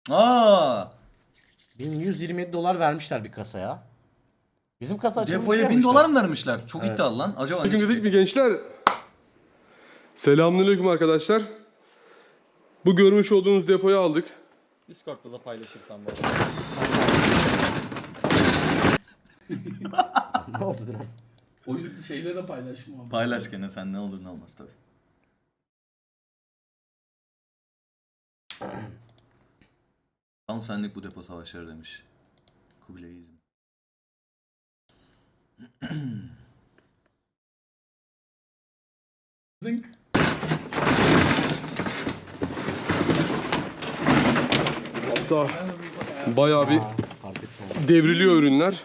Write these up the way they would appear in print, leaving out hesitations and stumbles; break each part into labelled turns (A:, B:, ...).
A: Aa!
B: 1127 dolar vermişler bir kasaya. Bizim kasa açılımı
A: Depoya 1000 dolar mı vermişler? Çok iddialı lan. Acaba ne
C: Bugün dedik
A: çıkacak?
C: mi gençler? Selamünaleyküm arkadaşlar. Bu görmüş olduğunuz depoyu aldık.
D: Discord'da da paylaşırsan bana.
B: Ne oldu Diren?
E: Oyun şeyle de paylaşma abi.
A: Paylaş gene sen, ne olur ne olmaz tabii. Tam senlik bu depo savaşları demiş. Kubilayizm.
E: Zınk.
C: Hatta
E: Ben de bir ufak ayar.
C: bayağı bir
B: Fark ettim.
C: devriliyor ürünler.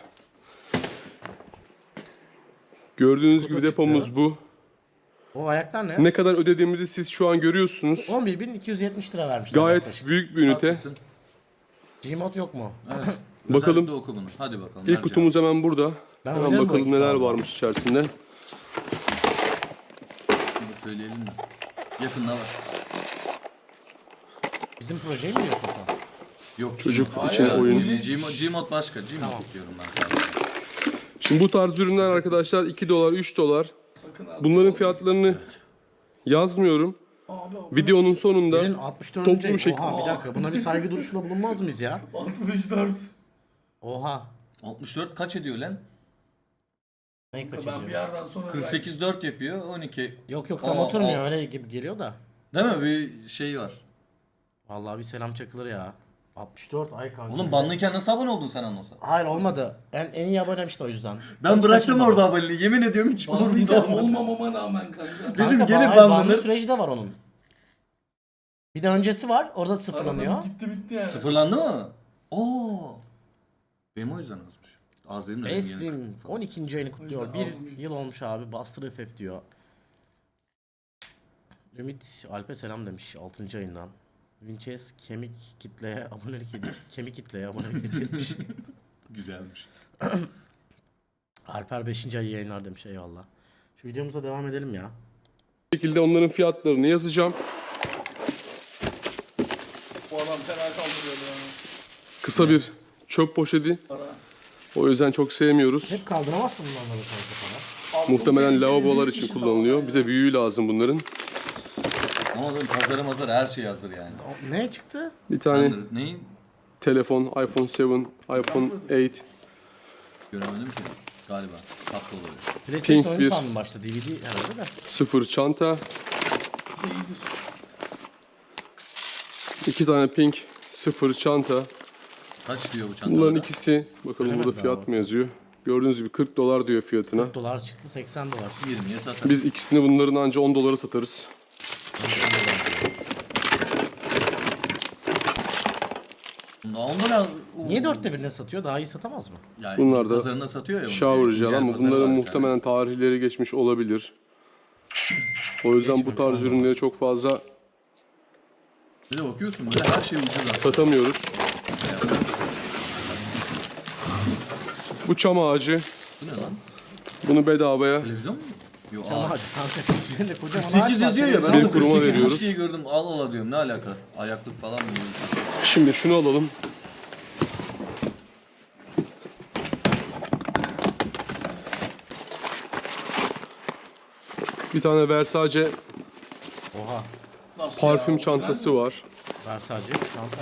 C: Gördüğünüz
B: Scooter
C: gibi depomuz
B: çıktı.
C: bu.
B: O ayaklar ne?
C: Ne kadar ödediğimizi siz şu an görüyorsunuz.
B: 11.270 lira vermişler
C: Gayet
B: yaklaşık.
C: büyük bir ünite.
A: Haklısın.
B: Gmod yok mu?
A: Evet.
C: Bakalım.
A: Özellikle oku bunu. Hadi bakalım.
C: İlk kutumuz hemen burada.
B: Ben
C: Hemen
B: oynarım bu
C: bakalım
B: ekipte
C: neler
B: abi.
C: varmış içerisinde.
A: Bunu söyleyelim mi? Yakında var.
B: Bizim projeyi mi diyorsun sen?
A: Yok.
C: Çocuk
A: Gmod.
C: için
E: Hayır,
C: oyun.
A: Gmod başka. Gmod
B: Tamam.
A: diyorum ben sadece.
C: Şimdi bu tarz ürünler arkadaşlar 2 dolar, 3 dolar.
E: Sakın abi.
C: Bunların fiyatlarını yazmıyorum.
E: Abi, abi.
C: Videonun sonunda
B: Birin 64.
C: toplu bir şekilde-
B: Oha bir dakika, buna bir saygı duruşunda bulunmaz mıyız ya?
E: 64.
B: Oha.
A: 64 kaç ediyor lan?
B: Neyi kaç
E: Ben bir
B: ediyor?
E: yerden sonra
A: 48 4 yapıyor. 12.
B: Yok yok, tam
A: Aa,
B: oturmuyor,
A: aa.
B: öyle gibi geliyor da.
A: Değil mi? Bir şey var.
B: Vallahi bir selam çakılır ya. 64 ay kanka.
A: Oğlum banlıyken nasıl abone oldun sen anonsa?
B: Hayır olmadı. En iyi abonem işte o yüzden.
A: Ben
B: Hiç
A: bıraktım
B: kaçırmadım.
A: orada aboneliği. Yemin ediyorum hiç umurumda
E: Banlayacağım
A: olmadı.
E: olmamama rağmen kanka.
A: Dedim
B: Kanka,
A: gene
B: hayır, banlı
A: banlanır.
B: süreci de var onun. Bir de öncesi var. Orada sıfırlanıyor.
E: Aradan gitti bitti yani.
A: Sıfırlandı mı? Oo. Benim o yüzden azmış. Az dedim de benim
B: Eslim
A: yeni-
B: 12. ayını kutluyor.
E: yüzden
B: Bir
E: azmış.
B: yıl olmuş abi. Bastır FF diyor. Ümit Alp'e selam demiş 6. ayından. Vinces kemik kitleye abonelik ediyor. Kemik kitleye abonelik hediye etmiş.
A: Güzelmiş.
B: Alper 5. ayı yayınlar demiş, eyvallah. Şu videomuza devam edelim ya.
C: şekilde onların fiyatlarını yazacağım.
E: Bu adam fena kaldırıyor yani.
C: Kısa bir çöp poşeti.
E: Para.
C: O yüzden çok sevmiyoruz.
B: Hep kaldıramazsın bunlarla kanka falan.
E: Abi,
C: Muhtemelen
E: çok tehlikeli
C: lavabolar
E: risk
C: için
E: işi
C: kullanılıyor.
E: falan
C: Bize
E: ya.
C: büyüğü lazım bunların.
A: Ama oğlum pazarı mazarı her şey hazır yani.
B: Ne çıktı?
C: Bir tane
A: Sen de neyin?
C: telefon, iPhone 7, iPhone 8.
A: Göremedim ki. Galiba. Tatlı oluyor.
B: PlayStation
C: Pink
B: oyunu
C: bir-
B: sandım başta, DVD herhalde de.
C: 0 çanta.
E: Şey iyidir.
C: 2 tane pink 0 çanta.
A: Kaç diyor bu çantalara?
C: Bunların ikisi, bakalım
B: Söylemedi
C: burada fiyat
B: abi.
C: mı yazıyor? Gördüğünüz gibi 40 dolar diyor fiyatına.
B: 40 dolar çıktı, 80 dolar.
A: 20'ye satar.
C: Biz ikisini bunların anca 10 dolara satarız.
A: Onlara...
B: Niye 4'te birine satıyor? Daha iyi satamaz mı?
A: Yani
C: Bunlar da
A: pazarında satıyor ya. bunu.
C: Shower
A: İkinci
C: gel
A: el
C: ama
A: pazarı
C: bunların
A: var bir
C: muhtemelen tarihleri geçmiş olabilir. O yüzden bu
B: Geçmemiş
C: tarz
B: olabilir.
C: ürünleri çok fazla
A: tane. Bir de bakıyorsun böyle her şey ucuz aslında.
C: satamıyoruz. Bu çam ağacı.
A: Bu ne lan?
C: Bunu bedavaya
A: Televizyon mu? Yok
B: Çam
A: ağaç.
B: ağacı kanka. Üzerinde kocaman ağaç
A: 48
B: var.
A: yazıyor ya, ben
C: Bir
A: orada
C: kuruma
A: 48
C: veriyoruz.
A: diye gördüm. Al ala diyorum, ne alaka? Ayaklık falan mı diyorum.
C: Şimdi şunu alalım. Bir tane Versace
B: Oha.
E: Nasıl
C: parfüm
E: ya?
C: çantası var.
B: Versace çanta.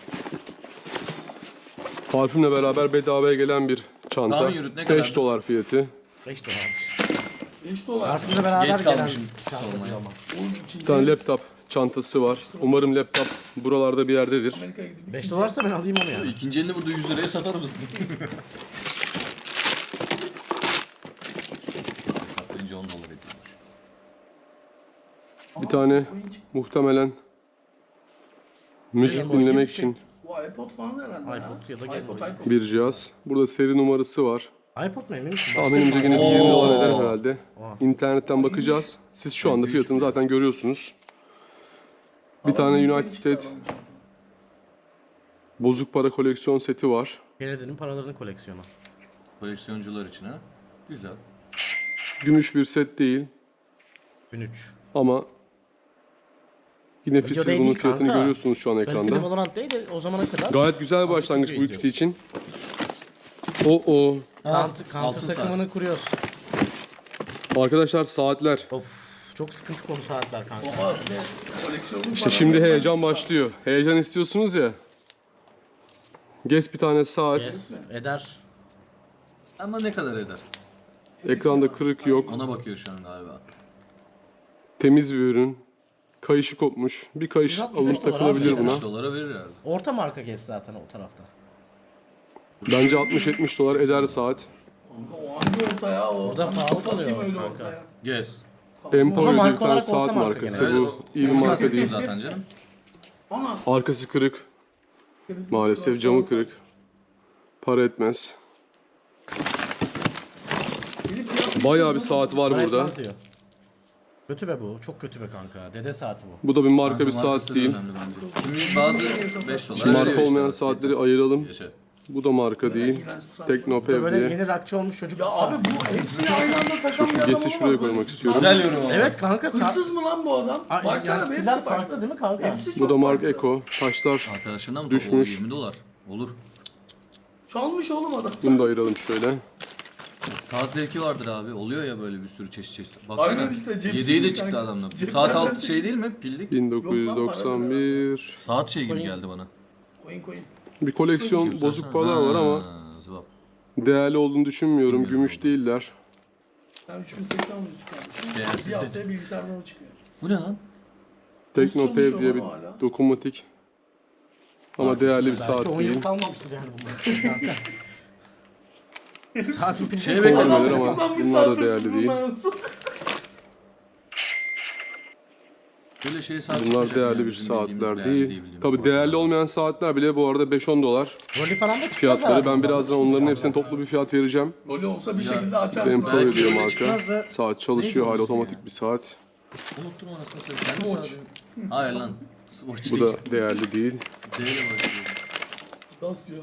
C: Parfümle beraber bedavaya gelen bir çanta.
A: Tahmin yürüt, ne
C: 5
A: kadardı?
C: dolar fiyatı.
B: 5 dolarmış.
E: 5 dolar.
B: Parfümle beraber
A: Geç
B: gelen
A: kalmışım
B: çanta
A: sormaya.
B: diyor ama.
E: Oğlum
C: Bir
E: ikinci
C: tane laptop çantası var. Umarım laptop buralarda bir yerdedir.
E: Amerika'ya gidip
B: 5
E: ikinci-
B: dolarsa ben alayım onu yani.
A: İkinci elini burada 100 liraya satarız. Hesaplayınca 10 dolar ediyormuş.
C: Bir tane
E: Oyun çıktı.
C: muhtemelen müzik
B: Game Boy gibi
C: dinlemek
B: bir şey.
C: için
E: Bu iPod falan herhalde ya.
B: iPod ya da Game Boy.
E: iPod.
C: bir cihaz. Burada seri numarası var.
B: iPod mu, emin misin?
C: Tahminimce yine bir
A: Oo.
C: 20 dolar eder herhalde.
B: Oha.
C: İnternetten bakacağız. Siz şu anda fiyatını zaten görüyorsunuz. Bir
E: Adam
C: tane
E: Bitcoin
C: United
E: çıktı
C: States
E: adamın.
C: bozuk para koleksiyon seti var.
B: Kennedy'nin paralarını koleksiyonu.
A: Koleksiyoncular için ha. Güzel.
C: Gümüş bir set değil
B: 1003.
C: ama Yine
B: Video
C: siz
B: değil
C: bunun
B: değil
C: fiyatını
B: kanka.
C: görüyorsunuz şu an
B: Kaliteli
C: ekranda.
B: Valorant değil de o zamana kadar.
C: Gayet güzel bir başlangıç bu ikisi için. O.
B: Counter takımını kuruyoruz.
C: Arkadaşlar saatler.
B: Of çok sıkıntı konu saatler kanka.
E: Baba ne koleksiyonun
C: İşte şimdi heyecan başlıyor. Heyecan istiyorsunuz ya. Guess bir tane saat.
B: Yes, eder.
A: Ama ne kadar eder?
C: Ekranda kırık yok.
A: Ona bakıyor şu an galiba.
C: Temiz bir ürün. Kayışı kopmuş. Bir kayış
B: 165
C: alınıp
B: dolar
C: takılabilir
B: abi.
C: buna.
A: 70 dolara verir herhalde.
B: Orta marka Guess zaten o tarafta.
C: Bence 60-70 dolar eder saat.
E: Kanka o hangi orta ya? O
B: Orada
E: ben
B: pahalı
E: kafa atayım
B: kalıyor
E: öyle
B: kanka.
E: ortaya.
A: Yes.
C: Emporio
B: marka
C: diye bir tane
B: olarak orta
C: saat
B: marka
C: markası
B: gene.
C: bu. İyi bir marka değil.
A: Zaten canım.
E: Ana.
C: Arkası kırık. Maalesef camı kırık. Para etmez. Bayağı bir saat var
B: Para
C: burada.
B: etmez diyor. Kötü be bu. Çok kötü be kanka. Dede saati bu.
C: Bu da bir marka bir
A: Markası
C: saat
A: da
C: değil.
A: önemli bence. Şimdi bazı 5 dolar.
C: Şu marka
A: veriyor
C: olmayan
A: işte.
C: saatleri ayıralım.
A: Yaşa.
C: Bu da marka değil.
B: Bu da
C: Teknopev
B: böyle
C: diye.
B: yeni rockçı olmuş çocuk
E: Ya
B: saati.
E: abi bu hepsini aynı anda takan bir adam
C: Guess'i
E: olmaz.
C: şuraya
E: Böyle
C: koymak
E: bir
C: istiyorum.
A: Güzel yorum ama.
B: Evet kanka saat.
E: Hırsız mı lan bu adam?
B: Ay,
E: Baksana
B: yani
E: be,
B: stiller
E: hepsi
B: farklı değil mi kanka?
E: Hepsi çok
C: Bu da marka
E: farklı.
C: Eko. Taşlar
A: Arkadaşına mı?
C: Düşmüş.
A: O 20 dolar. Olur.
E: Çalmış oğlum adam.
C: bunu da ayıralım şöyle.
A: Saat zevki vardır abi. Oluyor ya böyle bir sürü çeşit.
E: Aynen işte, cepsiymiş
A: 7'yi de çıktı
E: kanka.
A: adamda. Bu
E: Ceplerden
A: saat altı
E: çıktı.
A: şey değil mi? Pillik.
C: 1991.
A: Saat şey gibi
B: Koyun.
A: geldi bana.
E: Koyun.
C: Bir koleksiyon bozuk paralar var ama
A: Zıvap.
C: değerli olduğunu düşünmüyorum.
A: Bilmiyorum
C: Gümüş
A: oldu.
C: değiller.
E: Ben 3080 alıyorsun kardeşim.
A: Değersiz
E: Bir
A: de.
E: haftaya bilgisayardan o çıkıyor.
A: Bu ne lan?
C: Teknopev
E: çalışıyor
C: diye bir
E: ama hala?
C: dokunmatik. Ama değerli bir saat
B: Belki 10 yıl
C: değil.
B: kalmamıştır yani bunlar. kanka. Saatin pili
A: Şey
B: şey
A: bekliyorum.
E: Adam
C: Olabilir ama
E: tutuklanmış
C: bunlar da
E: saat
C: değerli
E: hırsızlığından
C: değil.
E: arasında.
A: Böyle şey saat
C: Bunlar
A: çıkacak
C: değerli
A: yani
C: bir
A: bizim bildiğimiz,
C: saatler
A: değerli
C: değil.
A: bildiğimiz
C: Tabi
A: saatler.
C: değerli olmayan saatler bile bu arada 5-10 dolar
B: Rolü falan da çıkmaz
C: fiyatları.
B: herhalde
C: Ben
B: bunlar.
C: birazdan onların hepsine toplu bir fiyat vereceğim.
E: Rolü olsa bir
A: Ya,
E: şekilde açarsın.
C: Emporio
A: belki
C: diyor
A: öyle
C: marka.
A: çıkmaz da-
C: Saat çalışıyor
A: Neydi
C: hala
A: onun ismi
C: otomatik
A: ya?
C: bir saat.
A: Unuttum anasını satayım.
E: Swatch.
A: Hayır lan. Swatch
C: Bu
A: değil.
C: da değerli değil.
A: Değerli başlıyor.
E: Dasya.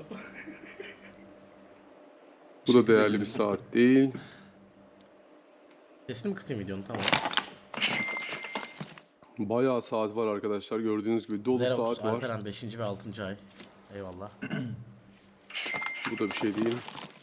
C: Bu da değerli bir saat değil.
B: Sesini mi kısayım videonun tamam.
C: Bayağı saat var arkadaşlar. Gördüğünüz gibi dolu
B: Xerox,
C: saat var.
B: Alperen 5. ve 6. ay. Eyvallah.
C: Bu da bir şey değil.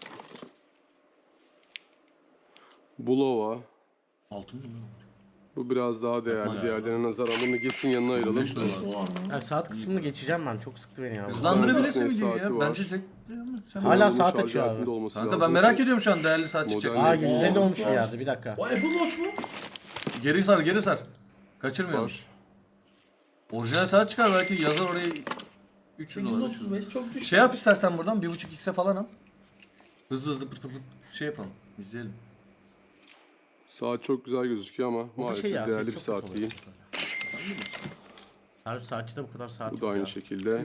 C: Bulova.
A: Altın mı?
C: Bu biraz daha değerli.
A: Yapma ya.
C: Diğerlerine nazaran bunu Guess'in yanına ayıralım.
A: 5 dolar.
E: Dolar mı?
B: Yani saat kısmını geçeceğim ben. Çok sıktı beni ya.
A: Hızlandırabilirsin
C: Saati
A: videoyu ya.
C: var.
A: Bence tek... Sen
B: Hala
C: Bunun
B: saat
C: şarj
B: açıyor abi.
C: aletinde olması
A: Kanka
C: lazım.
A: ben merak ediyorum şu an değerli saat çıkacak.
C: Model
B: Aa
C: değil.
B: 150
E: Oo,
B: olmuş bir
E: var.
B: yerde bir dakika.
E: O Apple Watch mu?
A: Geri sar geri sar. Kaçırmayalım.
C: Var.
A: Orijinal saat çıkar belki yazar oraya 300 dolar. 300 dolar.
E: 835 çok düşük.
A: Şey yap istersen buradan 1.5x'e falan al. Hızlı hızlı pıt pıt pıt şey yapalım. İzleyelim.
C: Saat çok güzel gözüküyor ama
B: Bu da
C: maalesef
B: şey ya,
C: değerli
B: ses
C: bir
B: çok
C: saat
B: kötü
C: değil.
B: Harbi saatçıda bu kadar saat
C: Bu
B: yok
C: da aynı
B: ya.
C: şekilde.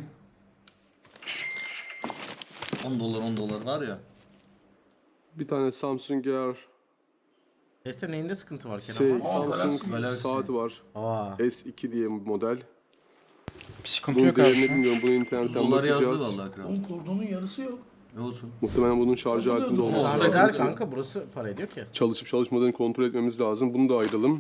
A: 10 dolar 10 dolar var ya.
C: Bir tane Samsung Gear
B: Seste neyinde sıkıntı var
C: S
B: Kenan?
C: Samsung
A: Galaxy.
C: saati var.
B: Aa.
C: S2 diye bir model.
F: Bir sıkıntı
C: Bunun
F: yok
C: değerini
F: abi.
C: bilmiyorum. Bunu
A: 100
C: internetten
A: dolar yazdı
C: bakacağız.
A: vallahi kral.
E: Onun kordonun yarısı yok.
A: Ne olsun?
C: Muhtemelen bunun şarj
E: Satılıyordu.
C: aletinde olması
A: Olsa
B: Tahmin
C: lazım.
B: eder kanka burası para ediyor ki.
C: Çalışıp çalışmadığını kontrol etmemiz lazım. Bunu da ayıralım.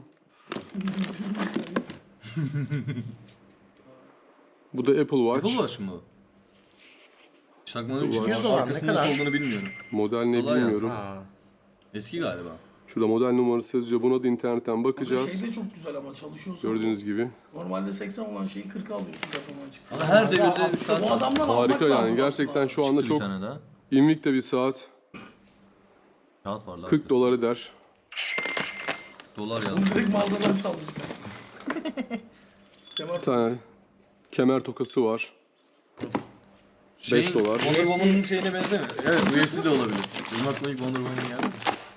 C: Bu da Apple Watch.
A: Apple Watch mu? Çakmanın
C: Apple Watch.
B: 200 dolar, ne
A: arkasında
B: kadar?
A: nasıl olduğunu bilmiyorum.
C: Model ne
A: Dolar
C: bilmiyorum.
B: Ha.
A: Eski galiba.
C: Şurada model numarası yazıyor. Buna da internetten
E: Bakacağız.
C: bakacağız.
E: Şey de çok güzel ama çalışıyorsun.
C: Gördüğünüz gibi.
E: Normalde 80 olan şeyi 40 alıyorsun depodan çıkıp.
A: Ama her devirde bir saat
E: Bu adamdan almak
C: Harika
E: lazım
C: yani. Gerçekten
E: aslında.
C: şu anda
A: bir
C: çok
A: tane daha.
C: invicta bir saat.
A: Kağıt var lan.
C: 40 dolar eder.
A: Dolar
E: Bunu
A: yazdı.
E: direkt mağazadan çalmış. Kemal
C: Bir tane kemer tokası var. 5 dolar.
A: Wonder Woman'ın şeyine benzemiyor. Evet UFC de olabilir. Benim aklıma ilk Wonder Woman geldi.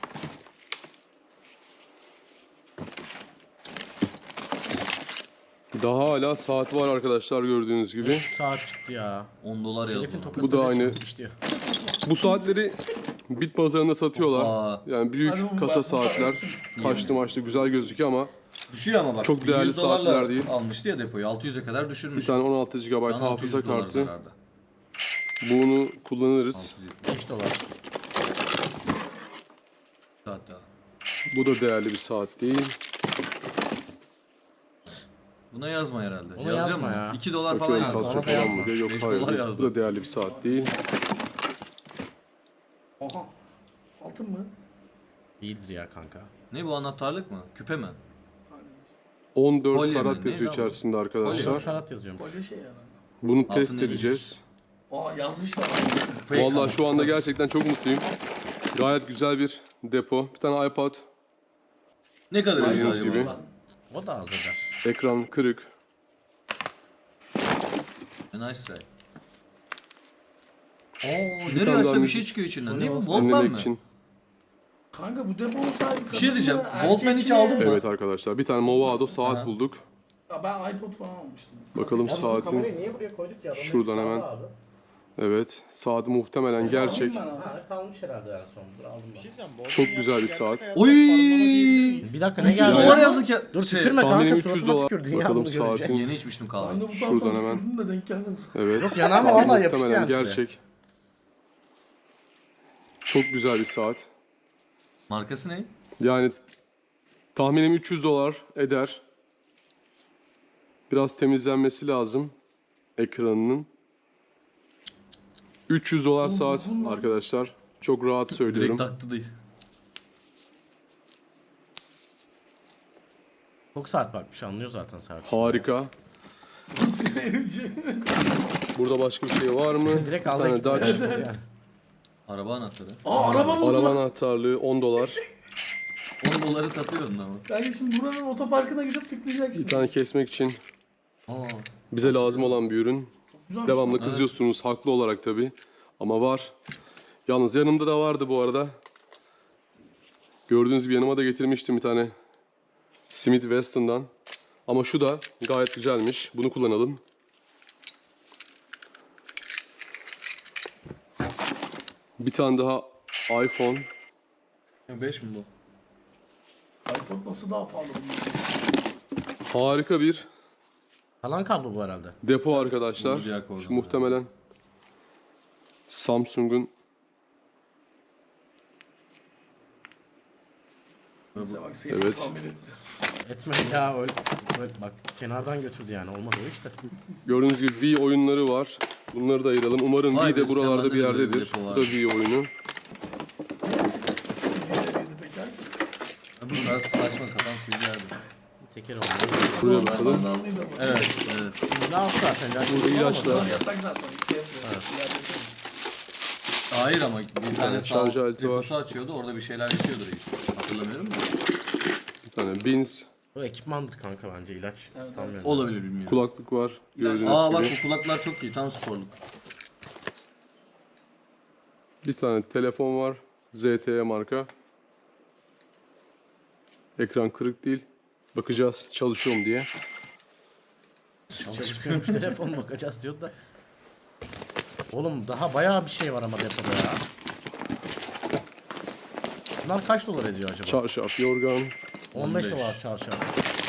C: Daha hala saat var arkadaşlar gördüğünüz gibi.
B: Saat çıktı ya.
A: 10 dolar yazdı.
B: Şerif'in
A: ona.
B: tokası
C: Bu da
B: bile
C: aynı.
B: çıkmış diyor.
C: Bu saatleri bit pazarında satıyorlar.
A: Aa.
C: Yani büyük
E: Hadi bu
C: kasa
E: bak, bu
C: saatler.
E: parası.
C: Kaçtı maçtı güzel gözüküyor ama
A: Düşüyor ama bak.
C: Çok değerli
A: 100 dolarla
C: saatler değil.
A: almıştı ya depoyu. 600'e kadar düşürmüş.
C: bir tane 16 GB
A: Şu an 600
C: hafıza
A: dolar
C: kartı.
A: zararda.
C: Bunu kullanırız.
A: 670
B: 5 dolar.
A: saat daha.
C: Bu da değerli bir saat değil.
A: Bu Buna yazma herhalde.
B: Ona
A: Yazacağım
B: yazma
A: mı?
B: ya.
A: 2 dolar falan
C: Bakıyorum
A: yazdı.
B: Ona
C: kalça
B: da
C: falan mı
B: yazma.
C: diye. Yok
A: 5
C: hayır.
A: dolar
C: Bu
A: yazdı.
C: da değerli bir saat değil.
E: Oha. Altın mı?
B: Değildir ya kanka.
A: Ne bu, anahtarlık mı? Küpe mi?
E: Hani
C: 14
A: Kolye mi?
C: karat
A: Ne
C: yazıyor
A: lan bu?
C: içerisinde
A: Kolye.
C: arkadaşlar.
B: 4 karat yazıyormuş.
E: kolye şey herhalde.
C: Bunu
A: Altında
C: test edeceğiz.
E: Aa yazmışlar.
A: Fake
C: Vallahi
A: ama.
C: şu anda gerçekten çok mutluyum. Gayet güzel bir depo. Bir tane iPad,
A: Ne kadar
C: Gördüğünüz
A: ediyor
C: gibi.
A: acaba?
E: Lan.
B: O da az eder.
C: ekran kırık.
A: Nice try. Oo,
C: Bir
A: nereye
C: tane daha
A: açsa bir
C: müzik.
A: şey çıkıyor içinden.
B: Sony
A: Ne bu?
B: oldu.
A: Walkman
C: Önlemek
A: mi?
C: için.
E: Kanka bu deponun sahibi
A: Bir şey diyeceğim.
E: kadın mı,
A: Walkman
E: erkek
A: hiç
E: mi?
A: aldın mı?
C: Evet arkadaşlar bir tane Movado saat
A: Aha.
C: bulduk.
E: Ya ben iPod falan almıştım.
C: Bakalım
B: Abi bizim
C: saatin.
B: kamerayı niye buraya koyduk ya?
C: Şuradan hemen. Evet saat muhtemelen gerçek.
E: Alayım ben abi.
B: Ha, kalmış herhalde en son. Dur aldım ben.
C: Çok güzel bir saat.
A: Oy!
B: Bir dakika ne
A: 300
B: geldi?
A: dolar yazdık ya.
B: Dur
A: Şey,
B: tükürme
C: tahminim
B: kanka
C: 300
B: suratıma
C: dolar.
B: tükürdün ya
C: Bakalım
B: bunu görünce.
C: saatin.
A: Yeni içmiştim
E: Ben
A: kahve.
E: de bu
C: Şuradan
E: taraftan
C: hemen.
E: tükürdüm de denk gelmedi.
C: Evet.
B: Yok yanağıma vallahi yapıştı
C: Muhtemelen
B: yani size.
C: gerçek. Çok güzel bir saat.
A: Markası ne?
C: Yani tahminim 300 dolar eder. Biraz temizlenmesi lazım ekranının. 300 dolar saat arkadaşlar. Çok rahat söylüyorum.
A: Direkt taktı değil.
B: Çok saat bakmış anlıyor zaten saat. işte.
C: Harika. Burada başka bir şey var mı?
B: Direkt
C: Bir
B: aldı
C: tane
B: ekipmanı.
C: Dutch.
B: Yani.
A: Araba anahtarı.
E: Aa araba buldu
C: Araba
E: lan.
C: anahtarlığı 10 dolar.
A: 10 doları satıyordun ama.
E: Yani şimdi buranın otoparkına gidip tıklayacaksın.
C: Bir tane kesmek için
A: Aa.
C: bize lazım olan bir ürün.
E: Güzelmiş
C: Devamlı
E: lan.
C: kızıyorsunuz haklı olarak tabi. Ama var. Yalnız yanımda da vardı bu arada. Gördüğünüz gibi yanıma da getirmiştim bir tane Smith Wesson'dan. Ama şu da gayet güzelmiş. Bunu kullanalım. Bir tane daha iPhone.
A: 5 mi bu?
E: iPod nasıl daha pahalı bunlar?
C: Harika bir
B: Kalan kablo bu herhalde.
C: depo arkadaşlar.
A: Bu diğer kordon
C: Şu muhtemelen Samsung'un.
E: Bize bak seni
C: Evet.
E: tamir etti.
B: Etmedi ya öyle bak kenardan götürdü yani olmadı o işte.
C: Gördüğünüz gibi Wii oyunları var. Bunları da ayıralım. Umarım
A: Vay
C: Wii
A: be,
C: de buralarda
A: sistemde
C: bir
A: de böyle bir
C: yerdedir.
A: depo
C: Bu
A: var.
C: da Wii oyunu.
E: CD'leriydi Peker.
A: Bu biraz saçma sapan CD'lerdi.
B: Teker oldu.
C: Buraya
E: Onlar
C: bakalım.
E: mandallıydı ama.
A: Evet, evet.
B: Ne yaptı zaten? Ya,
C: Burada ilaçlar.
E: Bunlar yasak zaten. Şey yapıyor. Diğerleri-
A: Hayır ama bir tane
C: şarj
A: sağ
C: aleti var.
A: deposu açıyordu, orada bir şeyler yapıyordu reis. Hatırlamıyorum da.
C: Bir tane Beans.
B: Bu ekipmandır kanka bence ilaç.
E: Evet,
B: Sanmıyorum.
A: Olabilir, bilmiyorum.
C: Kulaklık var. Gördüğünüz
A: Aa bak
C: gibi.
A: bu kulaklar çok iyi, tam sporluk.
C: Bir tane telefon var. ZTE marka. Ekran kırık değil. Bakacağız çalışıyor mu diye.
B: Çalışmıyormuş telefon bakacağız diyordu da. Oğlum daha bayağı bir şey var ama depoda ya. Bunlar kaç dolar ediyor acaba?
C: Çarşaf, yorgan.
B: 15
A: 15.
B: dolar çarşaf.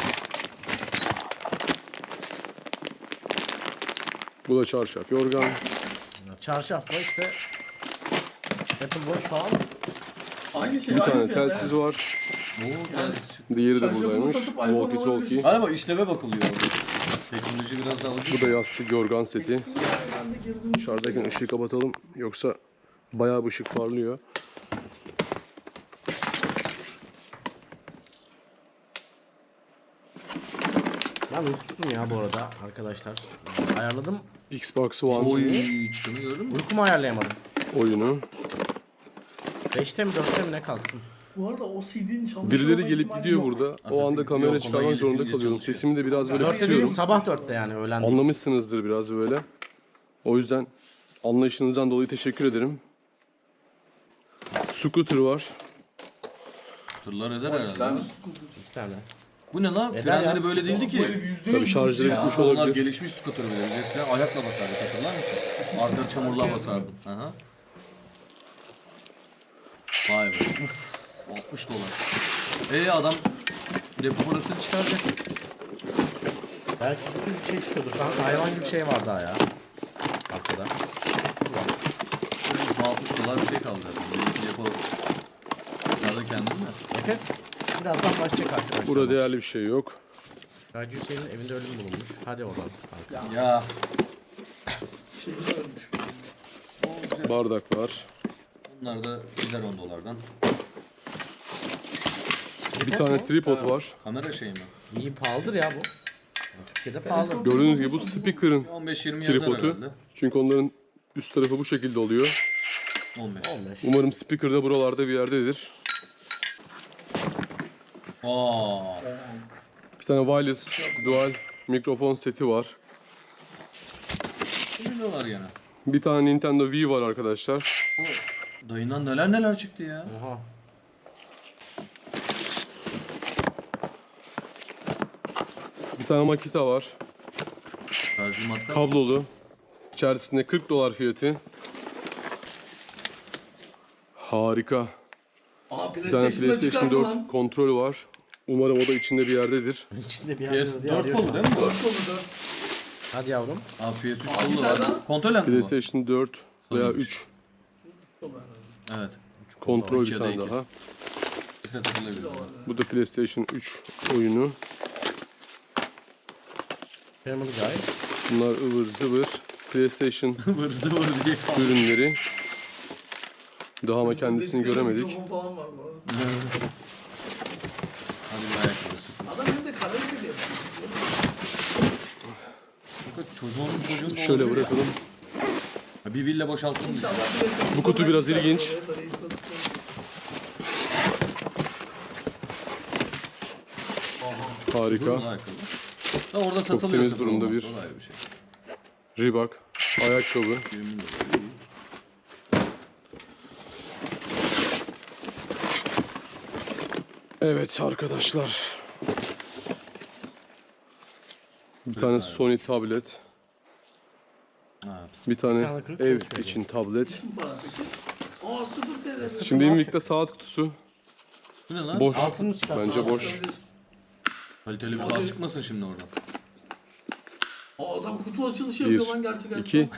C: Bu da çarşaf, yorgan.
B: Çarşafla işte Apple Watch falan.
E: Aynı şey.
C: Bir
E: aynı
C: tane
E: fiyat,
C: telsiz
E: evet.
C: var.
A: Oo,
C: Diğeri de
E: Çarşafını
C: buradaymış.
E: satıp iPhone
C: Walkie talkie.
E: alabiliriz.
A: Galiba işleve bakılıyor orada. Teknoloji biraz daha ucuz.
C: Bu da yastık, yorgan seti.
E: Yani ben de geri dönüş
C: Dışarıdayken ışığı kapatalım. Yoksa bayağı bir ışık parlıyor.
B: Ben uykusuzum ya bu arada arkadaşlar. Ayarladım.
C: Xbox One
A: Oy, çıkanı gördün mü?
B: Uykumu ayarlayamadım.
C: oyunu.
B: 5'te mi 4'te mi ne kalktım?
E: Bu arada o CD'nin çalışıyor
C: Birileri
E: olma
C: gelip
E: ihtimali
C: gidiyor
E: yok.
C: burada. O
A: Assassin's
C: anda
A: Creed
C: kamera
A: yok,
C: çıkarmak
A: ondan
C: zorunda
A: iyisince
C: kalıyorum.
A: çalışıyor.
C: Sesimi de biraz böyle
B: 4'te
C: kısıyorum.
B: dediğim sabah 4'te yani öğlen değil.
C: Anlamışsınızdır biraz böyle. O yüzden anlayışınızdan dolayı teşekkür ederim. Scooter var.
A: Tırlar eder
E: O iki tane
A: herhalde.
E: scooter.
B: 2 tane.
A: Bu ne lan?
B: Eder
A: Frenleri
B: ya,
A: böyle değildi
E: Bu
A: ki.
E: herif %100
C: Tabii şarjları
E: ya.
C: gitmiş
A: Onlar
C: olabilir.
A: gelişmiş scooter bile. Eskiden ayakla basardık, hatırlar mısın? Arka çamurla basardın. Aha. Vay be. Uf, 60 dolar. Adam depo parasını çıkaracak.
B: Belki sürpriz bir şey çıkıyordur. Kanka hayvan gibi şey var daha ya. Arkada.
A: Son 60 dolar bir şey kaldı zaten. Belki depo çıkardı kendini de.
B: FF birazdan başlayacak arkadaşlar.
C: Burada değerli bir şey yok.
B: Hacı Hüseyin'in evinde ölüm bulunmuş. Hadi oradan kanka.
A: Ya.
E: Şeyden ölmüş.
A: O güzel.
C: Bardak var.
A: Bunlar da gider 10 dolardan.
C: Bir tane tripod var.
A: Kamera şeyi mi?
B: İyi pahalıdır ya bu. Yani Türkiye'de pahalı.
E: Teleskop-
C: Gördüğünüz gibi bu speaker'ın
A: 15-20 yazar
C: tripodu.
A: herhalde.
C: Çünkü onların üst tarafı bu şekilde oluyor.
A: 15.
B: 15.
C: Umarım speaker da buralarda bir yerdedir.
A: Aa.
C: Bir tane wireless dual mikrofon seti var.
A: Ne dolar gene?
C: Bir tane Nintendo Wii var arkadaşlar.
A: O dayından neler çıktı ya.
B: Oha.
C: Bir tane Makita var.
A: Şarjlı matka.
C: Kablolu. İçerisinde 40 dolar fiyatı. Harika.
E: Aa
C: Bir tane
E: PlayStation'da çıkar
C: PlayStation
E: mı
C: 4
E: lan?
C: kontrol var. Umarım o da içinde bir yerdedir.
B: İçinde bir yerdedir diye
A: PS4
B: arıyor şu
A: kolu
B: an.
A: değil mi bu?
E: 4 kolu 4.
B: Hadi yavrum.
A: Aa PS3
E: Aa, bir
A: kolu
E: tane daha.
A: var. Kontrol mi bu?
C: PlayStation 4 veya
A: Sonuymuş.
C: 3
E: Kolu herhalde.
A: Evet.
C: kontrol
A: İki
C: bir
A: ya da
C: tane
A: iki.
C: daha.
A: İkisi de takılabilir.
E: Bir de var.
C: Bu da PlayStation 3 oyunu.
B: Family Guy.
C: Bunlar ıvır zıvır PlayStation
A: Vır zıvır diye.
C: ürünleri. Daha ama kendisini
E: Dedikleri
C: göremedik.
E: mikrofon falan var bu arada.
A: Hadi bir ayakkabı sıfır.
E: Adam hem de karaoke de yapıyor.
A: Fakat çocuğun da
C: Şöyle
A: olabilir ya.
C: bırakalım.
A: Ha, bir villa boşalttım.
E: İnşallah PlayStation'da
C: Bu kutu biraz
E: bırakmışlar
C: ilginç.
E: oraya da reis nasıl koyuyor.
C: Harika.
A: Ayakkabı. Da orada satılıyor.
C: temiz
A: sıfır
C: durumda
A: olması,
C: bir-
A: o da ayrı bir şey.
C: Reebok. Ayakkabı.
A: 20 dolar. iyi.
C: Evet arkadaşlar. Bir tane Sony tablet.
A: Evet.
C: Bir tane
B: tane kırık
C: ev
B: çalışmıyor.
C: için tablet.
E: Hiç mi para peki? Aa 0 TL.
C: Şimdi Invicta saat kutusu.
A: Bu ne lan?
C: Boş.
B: Altını çıkarsın.
C: Bence boş.
A: Kaliteli bir
E: Hadi.
A: saat çıkmasın şimdi oradan.
E: Aa adam kutu açılışı yapıyor
C: Bir,
E: lan gerçekten.
C: 2.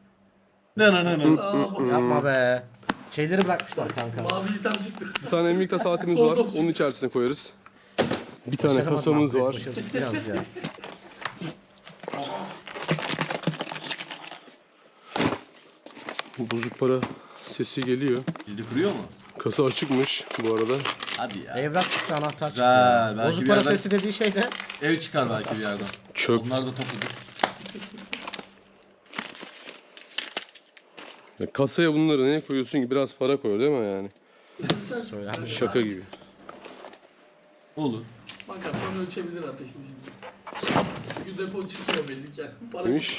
E: Aa bak.
B: Yapma be. Şeyleri bırakmışlar kanka.
E: Mavi item çıktı.
C: Bir tane Invicta saatimiz var. Onun içerisine koyarız. Bir tane
B: Başaramadım
C: kasamız
B: upgrade,
C: var.
B: başarısız yazdı ya.
C: Bozuk para sesi geliyor.
A: Cildi kırıyor mu?
C: Kasa açıkmış bu arada.
A: Hadi ya.
B: Evrak çıktı, anahtar çıktı.
A: Güzel,
B: ya.
A: belki
B: Bozuk
A: bir
B: para
A: yerden-
B: sesi dediği şey de
A: Ev çıkar belki bir yerden.
C: Çöp.
A: Onlar da topladık.
C: Ya kasaya bunları neye koyuyorsun ki? Biraz para koy değil mi yani?
B: söylenmiş.
C: Şaka gibi.
A: Olur.
E: Bak adam ölçebilir ateşini şimdi. Çünkü depo çıkmıyor belli ki. Yani. Para
C: Demiş.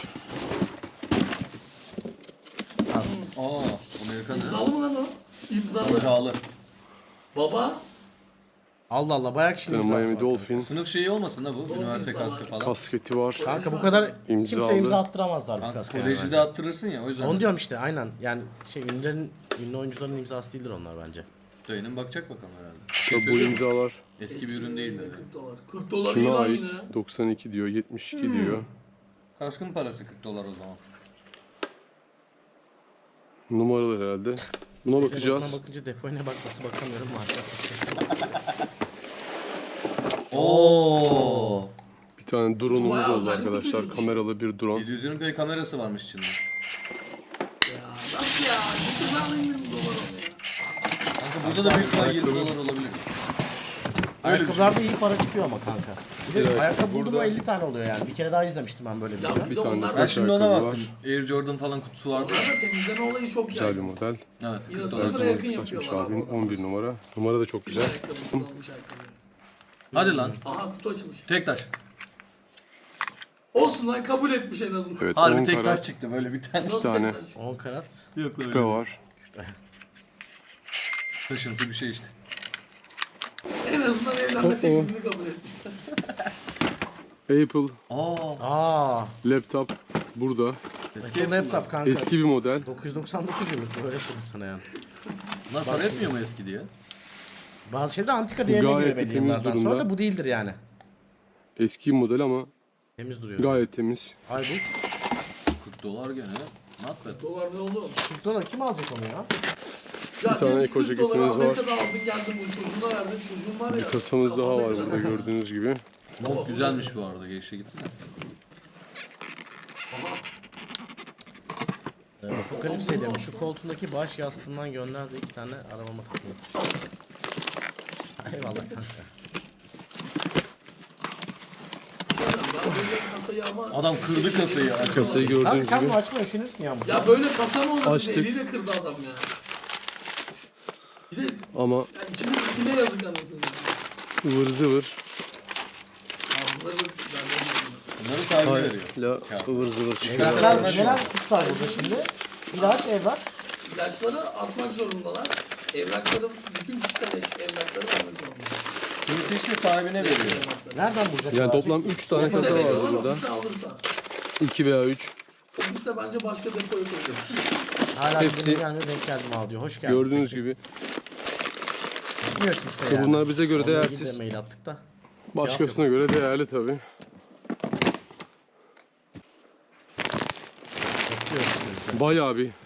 A: Aa, Amerikan ne?
E: İmzalı mı lan o? İmzalı.
A: İmzalı.
E: Baba.
B: Allah Allah, bayağı kişinin imzası
C: Miami
B: var.
C: Dolphin.
A: Sınıf şeyi olmasın da bu.
E: Dolphin
A: Üniversite
E: sana.
A: kaskı falan.
C: Kasketi var.
B: Kanka bu kadar
C: İmzalı.
B: kimse imza attıramazlar bu
A: Kanka,
B: kaska. yani
A: kolejde
B: bence.
A: attırırsın ya o yüzden.
B: Onu diyorum işte, aynen. Yani ünlü oyuncuların imzası değildir onlar bence.
A: Dayının bakacak bakalım herhalde.
C: Tabii bu imzalar
A: Eski bir ürün değil dedi.
E: 40 dolar. 40 dolar iyi
C: kime
E: lan
C: ait?
E: yine.
C: 92 diyor, 72 diyor.
A: Kaskın parası 40 dolar o zaman.
C: Numaralar herhalde. Buna bakacağız.
B: Telefona bakınca depoya ne bakması bakamıyorum maalesef.
A: Oo.
C: Bir tane drone'umuz
E: Bayağı
C: oldu
E: özel bir
C: arkadaşlar.
E: kutuymuş.
C: Kameralı bir drone.
A: 720p kamerası varmış içinde.
E: Ya nasıl ya? Getir lan 20 dolar onu ya.
A: Kanka burada da büyük ihtimal 20 dolar olabilir.
B: Ayakkabılarda iyi para çıkıyor ama kanka. Bir de
C: Evet,
B: ayakkabı buldum
C: burada-
B: 50 tane oluyor yani. Bir kere daha izlemiştim ben böyle bir
E: Ya
B: video.
E: bir
C: Bir
E: de
C: tane
E: onlar
A: Ben
E: da
C: Kaç
A: şimdi ona
C: ayakkabı
A: baktım. Air Jordan falan kutusu vardı.
E: onlar da temizleme olayı çok
C: Güzel bir
E: yaygın.
C: model.
A: Evet.
E: Yine
A: 40 dolar.
E: sıfıra yakın
C: Kaçmış
E: yapıyorlar
C: abinin
E: abi.
C: 11 numara. Numara da çok güzel.
E: Ayakkabı, kullanılmış ayakkabı.
A: Hadi lan.
E: Aha kutu açılışı.
A: Tek taş.
E: Olsun lan kabul etmiş en azından.
C: Evet,
A: Harbi
C: 10
A: tek taş
C: karat
A: çıktı böyle bir tane.
E: Nasıl
C: tane.
E: tek taş?
B: 10 karat.
A: Yok
C: küpe var.
A: Taşımsı bir şey işte.
E: En azından evlenme teklifini kabul etmiş.
C: Apple
A: Aa.
C: laptop burada.
B: Apple laptop kanka.
C: Eski bir model.
B: 999 yıllık, böyle söyleyeyim sana yani.
A: Bunlar para etmiyor mu eski diye?
B: Bazı şeyler antika değerine
C: Gayet
B: giriyor
C: de
B: belli
C: temiz
B: yıllardan sonra
C: durumda.
B: da bu değildir yani.
C: Eski bir model ama
B: Temiz duruyor.
C: gayet temiz.
B: Ay bu
A: 40 dolar gene. Not bad.
E: Dolar ne oldu?
B: 40 dolar kim alacak onu ya?
E: Ya
C: tane
E: diyor ki
C: eko
E: 40 dolar
C: ceketimiz var.
E: Amerika'da aldın geldin bu çocuğuna verdin çocuğun var ya.
C: Bir kasamız daha
E: kafanda
C: var
E: kadar.
C: burada gördüğünüz gibi.
A: Mont güzelmiş bu arada. Geçti gitti.
B: Apokalipse demiş şu koltuğundaki baş yastığından gönder de 2 tane arabama takayım. Eyvallah kanka.
E: Ben böyle kasayı ama...
A: Adam kırdı kasayı.
C: Kasayı
B: Kanka
C: gördüğünüz
B: sen
C: gibi.
B: bunu açma üşenirsin ya.
E: Ya böyle kasa mı olur?
C: Açtık.
E: Eliyle kırdı adam ya. Bir de
C: Ama
E: ya içinde ipine yazık anasını.
C: ıvır zıvır.
E: Bunları benden
A: Bunları sahibine veriyor.
C: Hala ıvır zıvır çıkıyor.
B: Evraklar neler kutsal burada şimdi? İlaç, evrak.
E: İlaçları atmak zorundalar. Evrakları, bütün kişisel evrakları almak zorundalar.
A: Kimisi işte sahibine veriyor.
E: Evrakları.
B: Nereden bulacak?
C: Yani toplam 3 tane
E: Ofise
C: kasa vardı
E: veriyorlar,
C: burada.
E: ofiste alırsa.
C: 2 veya 3.
E: Ofiste bence başka depoya koyuyor.
B: Hala
C: Hepsi-
B: hepsi gelmiyor denk geldim al diyor. Hoş geldin.
C: Gördüğünüz
B: Tek tek.
C: gibi.
B: Gitmiyor kimse
C: İşte
B: yani.
C: bunlar bize göre
B: Onunla ilgili de
C: değersiz.
B: mail attık da.
C: Başkasına göre değerli tabii.
B: Bekliyoruz işte biz de.
C: Bayağı bir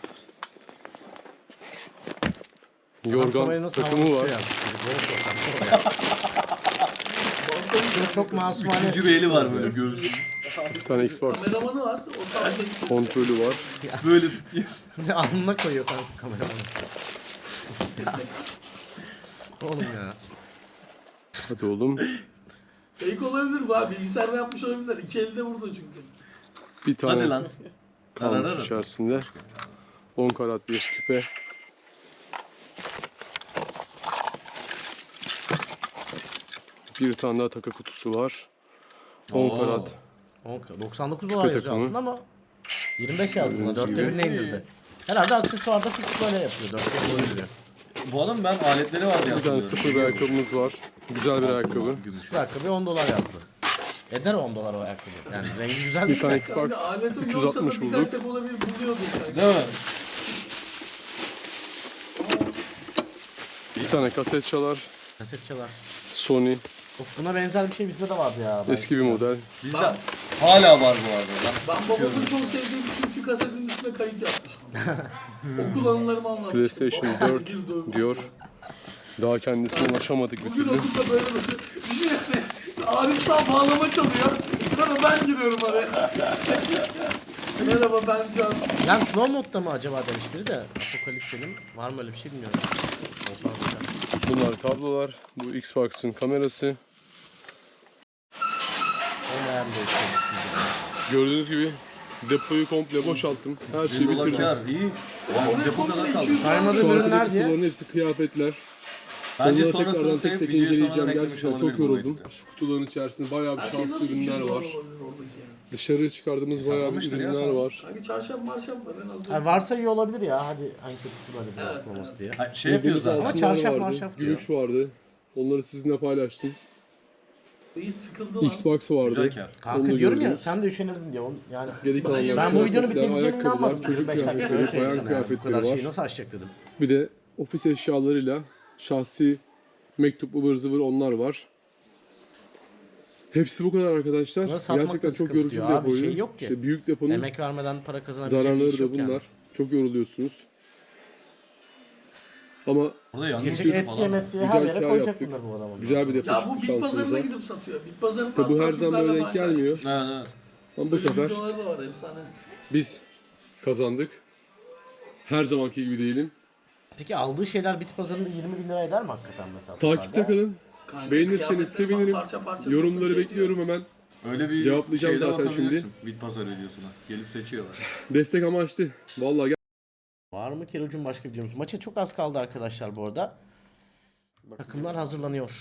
B: Adam
C: yorgan
B: kamerayı nasıl
C: takımı
B: havada
C: var.
B: tutuyor yazmış dedi. Böyle korkak, çok ya. Şimdi çok masumane.
A: Üçüncü bir eli var böyle göğsü.
C: Bir tane Xbox
E: Kameramanı var. O taraftaki
C: kontrolü var.
A: Böyle tutuyor.
B: Alnına koyuyor kanka kameramanı. Oğlum ya.
C: Hadi oğlum.
E: fake olabilir bu abi. Bilgisayarda yapmış olabilirler. İki elde burada çünkü.
C: Bir tane
A: Hadi lan.
C: kalmış
A: Ararım.
C: içerisinde. 10 karat bir küpe. Bir tane daha takı kutusu var. 10
A: Oo.
C: karat.
B: 99 dolar yazıyor
C: takımı.
B: altında ama 25 yazdı buna.
C: Gördüğünüz
B: 4'te
C: gibi.
B: 1'ine indirdi. Herhalde aksesuarda fix böyle yapıyor. 4'te 1'ine indiriyor.
A: Bu adam ben aletleri var diye
C: Bir tane
A: hatırlıyorum.
C: sıfır bir ayakkabımız var. Güzel bir ayakkabı.
A: Gümüş.
B: Şu ayakkabı 10 dolar yazdı. Eder 10 dolar o ayakkabı. Yani rengi güzel
C: Bir
B: değil
C: tane
B: mi?
C: Xbox
E: Yani aletin yoksa da
C: 360
E: birkaç
C: bulduk.
E: depo olabilir buluyorduk. Yani.
A: Değil mi?
C: Bir tane kaset çalar.
B: Kaset çalar.
C: Sony.
B: Of buna benzer bir şey bizde de vardı ya.
C: Eski bir model.
A: Bizde hala var bu arada.
E: Ben babamın çok sevdiği bir türkü kasetinin üstüne kayıt yapmıştım. O kullanımlarımı anlatmıştım.
C: PlayStation
E: Babam
C: 4
E: bir dövmüş.
C: diyor. Daha kendisine ulaşamadık bir
E: Bugün
C: türlü.
E: okulda böyle düşünün. Arif Sağ bağlama çalıyor. Sonra ben giriyorum araya. Merhaba ben Can.
B: Yani slow modda mı acaba demiş biri de. Apokalipse'nin var mı öyle bir şey bilmiyorum.
C: Bunlar kablolar. Bu Xbox'ın kamerası.
B: Olmayan bir şey.
C: Gördüğünüz gibi depoyu komple boşalttım. Her şeyi
A: $1
C: bitirdim.
A: kar, iyi. Yani depo kadar kaldı.
B: Saymadığım
C: Şu
B: ürünler
C: arkadaki
B: diye.
C: kutuların hepsi kıyafetler.
A: Bence
C: Onları
A: sonrasını
C: tekrardan
A: sevip
C: tek tek
A: videoyu sonradan
C: inceleyeceğim.
A: eklemiş
C: Gerçekten
A: olabilir
C: çok
A: bu
C: yoruldum.
A: boyutta.
C: Şu kutuların içerisinde bayağı bir
E: Her şey
C: şanslı
E: nasıl 200
C: ürünler
E: dolar
C: var.
E: olabilir oradaki ya?
C: Dışarı çıkardığımız bayağı bir
A: Hesaplamıştır ya
C: ürünler
A: sana.
C: var.
E: Kanki çarşaf marşaf var en az.
B: Yani varsa iyi olabilir ya. Hadi en kötüsü böyle bir
E: Evet,
B: yapılması diye.
A: Ha, şey yapıyor zaten.
B: Ama
C: Altınlar
B: çarşaf
C: vardı,
B: marşaf diyor.
C: Gümüş vardı. Onları sizinle paylaştım.
E: İyi sıkıldı lan.
C: Xbox vardı.
A: Güzel kar.
B: Kanka
C: Onu da
B: diyorum ya
C: gördüm.
B: sen de üşenirdin diye. Yani
C: Geri kalanlar
B: ben bu videonun
C: kıyafetler,
B: bitebileceğine
C: ayakkabılar,
B: inanmadım.
C: çocuk
B: 25 dakika
C: kıyafetleri,
B: öyle söyleyeyim
C: bayan
B: sana yani. Bu
C: kıyafetleri
B: kadar
C: var.
B: şeyi nasıl açacak dedim.
C: Bir de ofis eşyalarıyla şahsi mektup ıvır zıvır onlar var. Hepsi bu kadar arkadaşlar.
B: Bunları satmak da
C: Gerçekten çok
B: sıkıntı
C: yorucu bir
B: diyor. Abi
C: depoyu.
B: şey yok ki.
C: İşte büyük deponun
B: Emek vermeden para kazanabileceğin bir
C: zararları
B: iş
C: da
B: yok
C: bunlar.
B: yani.
C: Çok yoruluyorsunuz. Ama
A: Burada yalnız
B: Girecek
A: çocuk
B: Etsy'ye
A: falan.
B: Metsy'ye
C: Güzel
B: her yere
C: kar
B: koyacak
C: yaptık.
B: bunlar bu adamın.
C: güzel bir depo
E: Ya bu bit
C: şansınıza.
E: pazarına gidip satıyor. Bit pazarında
C: Tabi bu her zaman
E: Türklerle
C: böyle
E: falan
C: denk gelmiyor.
A: Evet, evet.
C: Ama bu
E: Böyle
C: sefer
E: videoları da var efsane.
C: biz kazandık. Her zamanki gibi değilim.
B: Peki aldığı şeyler bit pazarında 20 bin lira eder mi hakikaten mesela?
C: Takipte
B: totalde?
C: kalın.
E: Kanka,
C: Beğenirseniz
E: kıyafetleri falan
C: sevinirim.
E: parça parça
C: Yorumları
E: satınca
C: bekliyorum hemen.
A: Öyle bir
C: Cevaplayacağım
A: şeyde
C: zaten
A: bakabilirsin. Bit pazar videosuna. Gelip seçiyorlar.
C: Destek amaçlı. Vallahi
B: Var mı Kerucum başka videomuz? Maça çok az kaldı arkadaşlar bu arada. Takımlar hazırlanıyor.